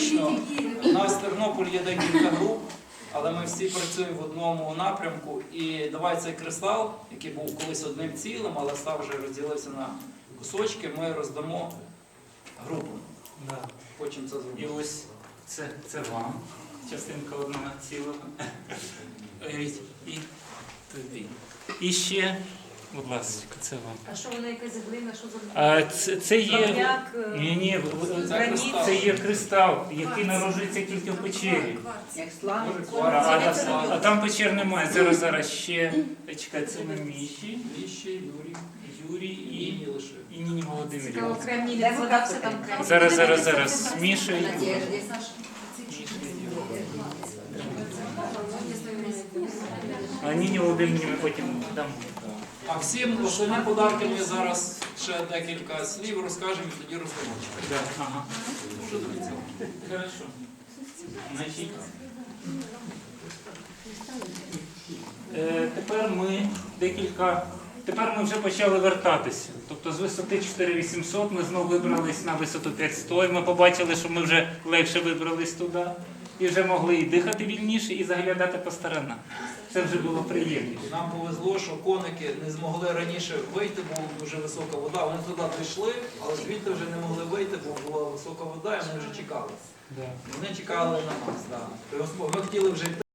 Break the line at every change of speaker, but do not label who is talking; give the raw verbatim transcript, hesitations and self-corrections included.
фактично у нас в Тернополі є декілька груп, але ми всі працюємо в одному напрямку. І давай цей кристал, який був колись одним цілим, але став вже розділився на кусочки, ми роздамо групам.
Да.
Хочемо це зробити.
І ось це, це вам, частинка одного цілого. Уявіть, і тобі. І ще, будь ласка, це вам.
А що вона якась глина, що за
А це, це є.
Кам'як, е,
Ні, ні,
Це
граніт?
кристал.
це є кристал, який народжується тільки в печері.
Як слава.
А, а, а там печер немає. Зараз, зараз ще. Чекай, це ми Міші,
Віщі, Юрій,
Юрій і,
і лише.
і Ніні Володимирівна.
Цікаво, Кремній не згадався там Кремній.
Зараз, зараз, зараз. Міша і Юрій.
Надежде.
А Ніні Володимирівні ми потім дамо.
А всім основні подарки ми зараз ще декілька слів розкажемо і тоді роздамо.
Да, ага.
Дуже до кінця.
Хорошо. Значить, е, тепер ми декілька. Тепер ми вже почали вертатися. Тобто з висоти чотири тисячі вісімсот ми знову вибрались на висоту п'ять сто, і ми побачили, що ми вже легше вибрались туди. І вже могли і дихати вільніше, і заглядати по сторонам. Це вже було приємніше.
Нам повезло, що коники не змогли раніше вийти, бо дуже висока вода. Вони туди дійшли, але звідти вже не могли вийти, бо була висока вода, і вони вже чекали.
Да.
Вони чекали на нас. Да. Ми хотіли вже йти.